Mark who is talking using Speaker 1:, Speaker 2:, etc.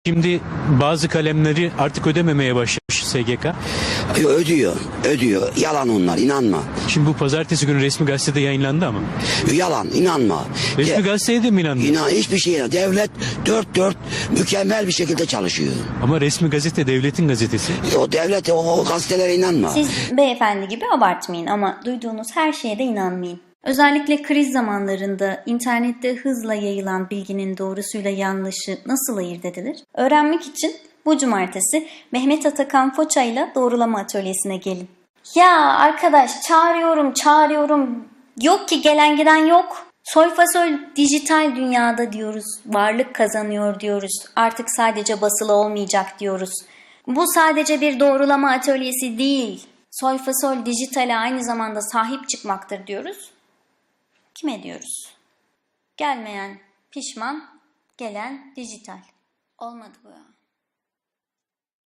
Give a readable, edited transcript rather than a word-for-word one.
Speaker 1: Şimdi bazı kalemleri artık ödememeye başlamış SGK.
Speaker 2: Ödüyor. Yalan onlar, inanma.
Speaker 1: Şimdi bu pazartesi günü resmi gazetede yayınlandı ama.
Speaker 2: Yalan, inanma.
Speaker 1: Resmi gazeteye de mi inandın?
Speaker 2: Hiçbir şeye. Devlet dört mükemmel bir şekilde çalışıyor.
Speaker 1: Ama resmi gazete devletin gazetesi.
Speaker 2: O devlet, o gazetelere inanma.
Speaker 3: Siz beyefendi gibi abartmayın ama duyduğunuz her şeye de inanmayın. Özellikle kriz zamanlarında internette hızla yayılan bilginin doğrusuyla yanlışı nasıl ayırt edilir? Öğrenmek için bu cumartesi Mehmet Atakan Foça ile Doğrulama Atölyesi'ne gelin. Ya arkadaş çağırıyorum. Yok ki gelen giden yok. Soyfasol dijital dünyada diyoruz. Varlık kazanıyor diyoruz. Artık sadece basılı olmayacak diyoruz. Bu sadece bir doğrulama atölyesi değil. Soyfasol dijitale aynı zamanda sahip çıkmaktır diyoruz. Kime diyoruz? Gelmeyen pişman, gelen dijital. Olmadı bu ya.